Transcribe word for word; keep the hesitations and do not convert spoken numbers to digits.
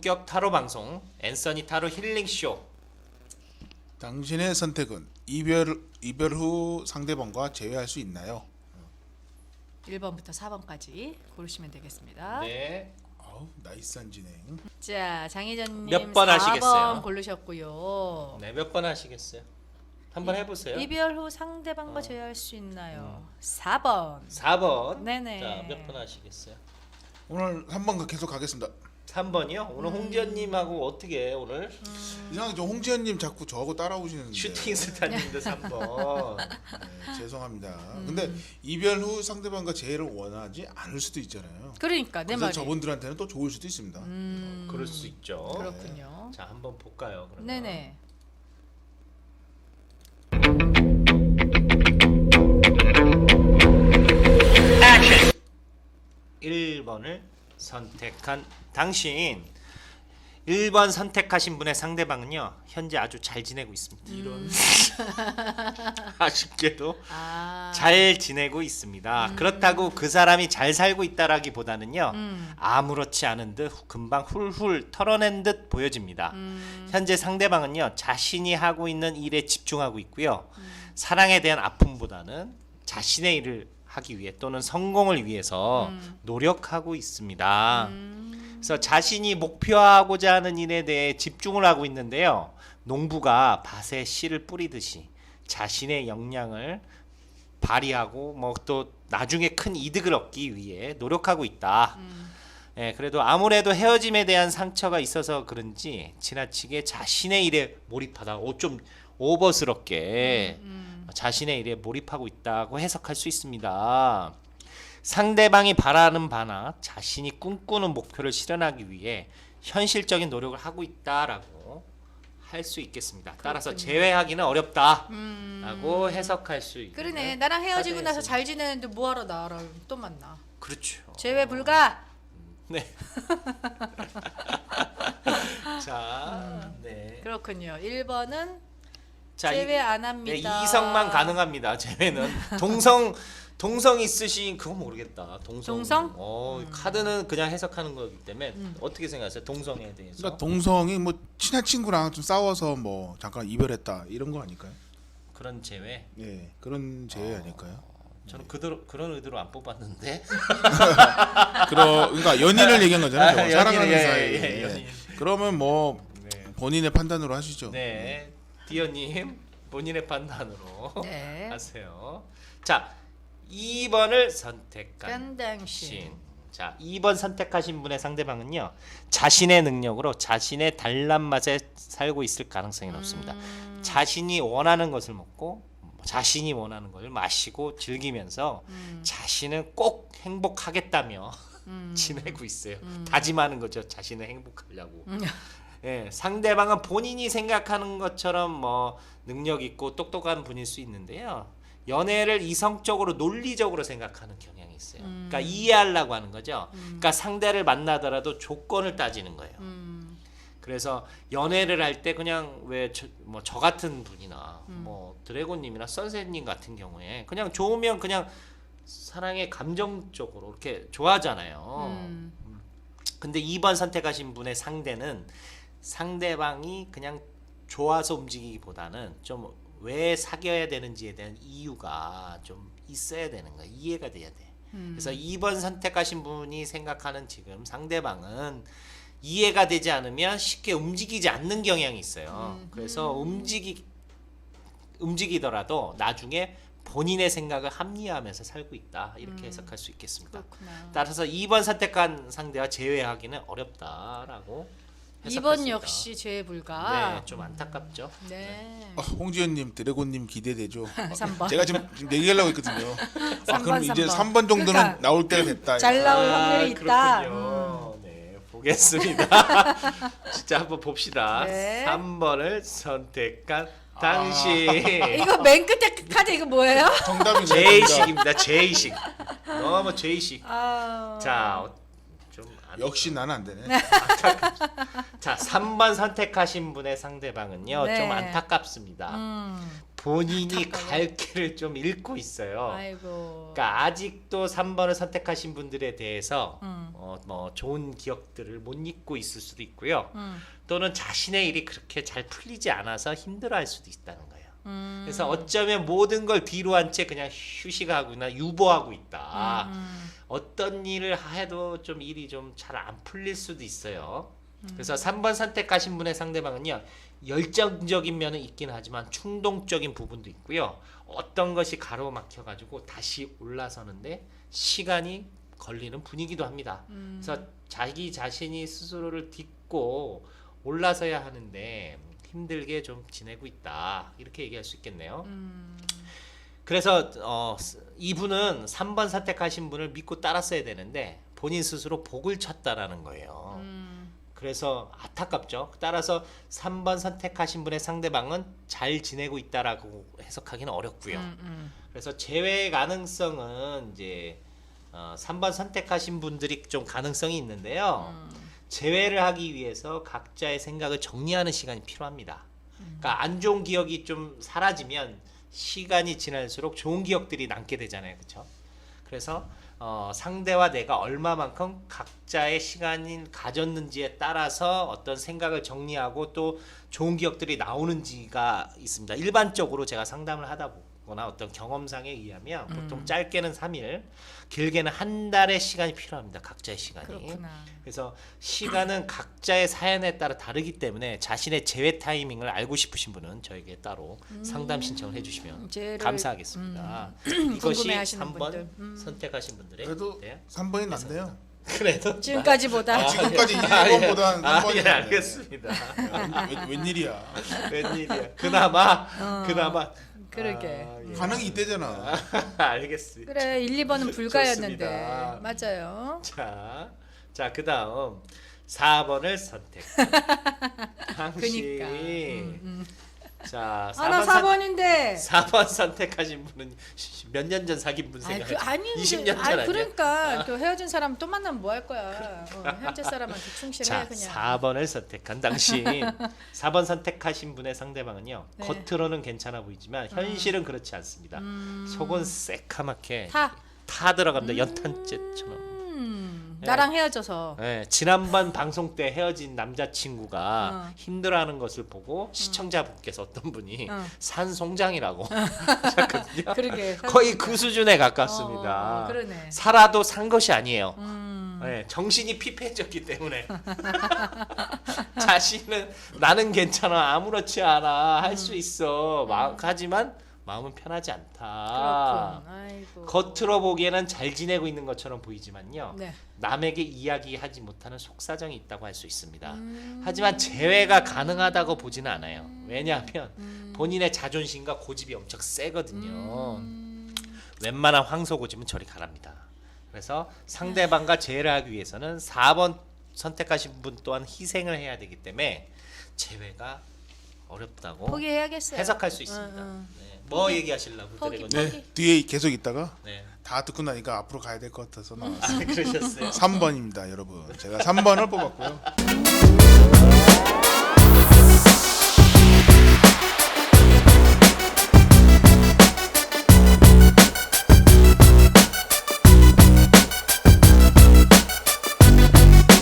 본격 타로 방송 앤서니 타로 힐링 쇼. 당신의 선택은 이별 이별 후 상대방과 재회할 수 있나요? 일 번부터 사 번까지 고르시면 되겠습니다. 네. 아우 나이스한 진행. 자, 장혜전님 몇번 하시겠어요? 사 번 고르셨고요. 네, 몇 번 하시겠어요? 한번 해 보세요. 이별 후 상대방과 어. 재회할 수 있나요? 사 번. 사 번. 네네. 자, 몇 번 하시겠어요? 오늘 삼 번 계속 가겠습니다. 삼 번이요? 오늘 홍지연 님하고 어떻게 해, 오늘? 이상하게 저 홍지연님 자꾸 저하고 따라오시는데. 슈팅 스타님도 삼 번. 네, 죄송합니다. 근데 이별 후 상대방과 재회를 원하지 않을 수도 있잖아요. 그러니까 내 그래서 말이. 저분들한테는 또 좋을 수도 있습니다. 음, 그럴 수 있죠. 그렇군요. 자, 한번 볼까요? 그러면. 네네. 일 번을 선택한 당신. 일 번 선택하신 분의 상대방은요, 현재 아주 잘 지내고 있습니다. 이런 아쉽게도 아. 잘 지내고 있습니다. 그렇다고 그 사람이 잘 살고 있다라기보다는요, 음. 아무렇지 않은 듯 금방 훌훌 털어낸 듯 보여집니다. 음. 현재 상대방은요, 자신이 하고 있는 일에 집중하고 있고요. 사랑에 대한 아픔보다는 자신의 일을 하기 위해 또는 성공을 위해서 음. 노력하고 있습니다. 음. 그래서 자신이 목표하고자 하는 일에 대해 집중을 하고 있는데요. 농부가 밭에 씨를 뿌리듯이 자신의 역량을 발휘하고 뭐 또 나중에 큰 이득을 얻기 위해 노력하고 있다. 음. 예, 그래도 아무래도 헤어짐에 대한 상처가 있어서 그런지 지나치게 자신의 일에 몰입하다. 오, 좀 오버스럽게 음. 자신의 일에 몰입하고 있다고 해석할 수 있습니다. 상대방이 바라는 바나 자신이 꿈꾸는 목표를 실현하기 위해 현실적인 노력을 하고 있다라고 할 수 있겠습니다. 따라서 그렇군요. 제외하기는 어렵다라고 음. 해석할 수 있는. 그러네. 나랑 헤어지고 나서 카드였습니다. 잘 지내는데 뭐하러 나랑 또 만나. 그렇죠. 재회 불가. 네. 자, 네. 그렇군요. 일 번은 자, 재회 이- 안 네, 합니다. 이성만 가능합니다. 제외는 동성 동성 있으신 그거 모르겠다. 동성. 동성? 어, 카드는 그냥 해석하는 거기 때문에 어떻게 생각하세요? 동성에 대해서. 그러니까 동성이 뭐 친한 친구랑 좀 싸워서 뭐 잠깐 이별했다 이런 거 아닐까요? 그런 제외. 예, 그런 재회 아닐까요? 저는 그대로 그런 의도로 안 뽑았는데. 그러 그러니까 연인을 얘기한 거잖아요. 저거. 아, 사랑하는 연인, 예, 사이. 예, 예. 연인. 그러면 뭐 네. 본인의 판단으로 하시죠. 네. 디어님 본인의 판단으로 네. 하세요. 자, 이 번을 선택한 당신. 신. 자, 이 번 선택하신 분의 상대방은요, 자신의 능력으로 자신의 단란 맛에 살고 있을 가능성이 높습니다. 음. 자신이 원하는 것을 먹고 자신이 원하는 걸 마시고 즐기면서 음. 자신은 꼭 행복하겠다며 음. 지내고 있어요. 음. 다짐하는 거죠. 자신은 행복하려고. 음. 예, 상대방은 본인이 생각하는 것처럼 뭐 능력 있고 똑똑한 분일 수 있는데요. 연애를 이성적으로 논리적으로 생각하는 경향이 있어요. 음. 그러니까 이해하려고 하는 거죠. 음. 그러니까 상대를 만나더라도 조건을 따지는 거예요. 음. 그래서 연애를 할 때 그냥 왜 저 뭐 저 같은 분이나 음. 뭐 드래곤님이나 선셋님 같은 경우에 그냥 좋으면 그냥 사랑의 감정적으로 이렇게 좋아하잖아요. 음. 근데 이 번 선택하신 분의 상대는 상대방이 그냥 좋아서 움직이기보다는 좀 왜 사귀어야 되는지에 대한 이유가 좀 있어야 되는 거야. 이해가 돼야 돼. 음. 그래서 이 번 선택하신 분이 생각하는 지금 상대방은 이해가 되지 않으면 쉽게 움직이지 않는 경향이 있어요. 음. 그래서 움직이 움직이더라도 나중에 본인의 생각을 합리화하면서 살고 있다. 이렇게 음. 해석할 수 있겠습니다. 그렇구나. 따라서 이 번 선택한 상대와 제외하기는 어렵다라고 해석할 이 번 수 있다. 역시 재회 불가. 네, 좀 안타깝죠. 네. 아, 홍지연님, 드래곤님 기대되죠. 삼 번. 제가 지금, 지금 얘기하려고 했거든요. 아, 삼 그럼 번, 이제 삼 번. 삼 번 정도는 그러니까 나올 때가 됐다. 잘 나올 아, 확률이 있다. 음. 그렇군요. 네, 보겠습니다. 진짜 한번 봅시다. 네. 삼 번을 선택한 당신. 이거 맨 끝에 카드 이거 뭐예요? 정답이 제의식입니다. 제의식. 너무 제의식. 아. 자, 어, 좀 안, 역시 나는 안 되네. 자, 삼 번 선택하신 분의 상대방은요. 네. 좀 안타깝습니다. 음. 본인이 갈 길을 좀 잃고 있어요. 아이고. 그러니까 아직도 삼 번을 선택하신 분들에 대해서 음. 어, 뭐 좋은 기억들을 못 잊고 있을 수도 있고요. 음. 또는 자신의 일이 그렇게 잘 풀리지 않아서 힘들어할 수도 있다는 거예요. 음. 그래서 어쩌면 모든 걸 뒤로 한 채 그냥 휴식하거나 유보하고 있다. 음. 어떤 일을 해도 좀 일이 좀 잘 안 풀릴 수도 있어요. 음. 그래서 삼 번 선택하신 분의 상대방은요, 열정적인 면은 있긴 하지만 충동적인 부분도 있고요. 어떤 것이 가로막혀 가지고 다시 올라서는데 시간이 걸리는 분위기도 합니다. 음. 그래서 자기 자신이 스스로를 딛고 올라서야 하는데 힘들게 좀 지내고 있다, 이렇게 얘기할 수 있겠네요. 음. 그래서 어, 이분은 삼 번 선택하신 분을 믿고 따랐어야 되는데 본인 스스로 복을 쳤다라는 거예요. 음. 그래서 안타깝죠. 따라서 삼 번 선택하신 분의 상대방은 잘 지내고 있다라고 해석하기는 어렵고요. 음. 음. 그래서 재회 가능성은 이제 어, 삼 번 선택하신 분들이 좀 가능성이 있는데요. 음. 재회를 하기 위해서 각자의 생각을 정리하는 시간이 필요합니다. 그러니까 안 좋은 기억이 좀 사라지면 시간이 지날수록 좋은 기억들이 남게 되잖아요, 그렇죠? 그래서 어, 상대와 내가 얼마만큼 각자의 시간을 가졌는지에 따라서 어떤 생각을 정리하고 또 좋은 기억들이 나오는지가 있습니다. 일반적으로 제가 상담을 하다 보거나 어떤 경험상에 의하면 보통 짧게는 삼 일, 길게는 한 달의 시간이 필요합니다. 각자의 시간이. 그렇구나. 그래서 시간은 각자의 사연에 따라 다르기 때문에 자신의 재회 타이밍을 알고 싶으신 분은 저에게 따로 상담 신청을 해주시면 재회를, 감사하겠습니다. 이것이 궁금해하시는 삼 번 분들. 음. 선택하신 분들의 그래도 네. 삼 번이 낫네요. 그래도 지금까지보다 아, 지금까지 일 아, 예. 번보다는 아, 삼 번이 예, 낫네. 알겠습니다. 웬, 웬일이야. 웬일이야. 그나마 어. 그나마 그러게. 아, 예. 가능이 있대잖아. 알겠습니다. 그래 일, 이 번은 불가였는데 좋습니다. 맞아요. 자, 자 그다음 사 번을 선택. 당신. 그니까. 음, 음. 자, 아나 사 사 번 번인데. 사 번 선택하신 분은 몇 년 전 사귄 분 아니, 생각하지? 그, 아니, 이십 년 전 아니 아니야? 그러니까 또 헤어진 사람 또 만나면 뭐 할 거야. 어, 현재 사람한테 충실해 자, 그냥. 사 번을 선택한 당신. 사 번 선택하신 분의 상대방은요. 네. 겉으로는 괜찮아 보이지만 현실은 그렇지 않습니다. 음. 속은 새카맣게 타. 타 들어갑니다. 연탄재처럼. 음, 네. 나랑 헤어져서. 네, 지난번 방송 때 헤어진 남자친구가 어. 힘들어하는 것을 보고 시청자분께서 어떤 분이 어. 산송장이라고 하셨거든요. 그러게. 거의 그 수준에 가깝습니다. 어, 그러네. 살아도 산 것이 아니에요. 음. 네, 정신이 피폐해졌기 때문에 자신은 나는 괜찮아, 아무렇지 않아, 할 수 있어. 마, 하지만 마음은 편하지 않다. 그렇군. 아이고. 겉으로 보기에는 잘 지내고 있는 것처럼 보이지만요. 네. 남에게 이야기하지 못하는 속사정이 있다고 할 수 있습니다. 음. 하지만 재회가 가능하다고 보지는 않아요. 왜냐하면 음. 본인의 자존심과 고집이 엄청 세거든요. 음. 웬만한 황소고집은 저리 가랍니다. 그래서 상대방과 재회를 하기 위해서는 사 번 선택하신 분 또한 희생을 해야 되기 때문에 재회가 어렵다고 포기해야겠어요. 해석할 수 있습니다. 응, 응. 네. 뭐 얘기하시려고 포기, 드래곤? 포기. 네, 뒤에 계속 있다가 네. 다 듣고 나니까 앞으로 가야 될 것 같아서 나왔어요. 아, 그러셨어요. 삼 번입니다, 여러분. 제가 삼 번을 뽑았고요.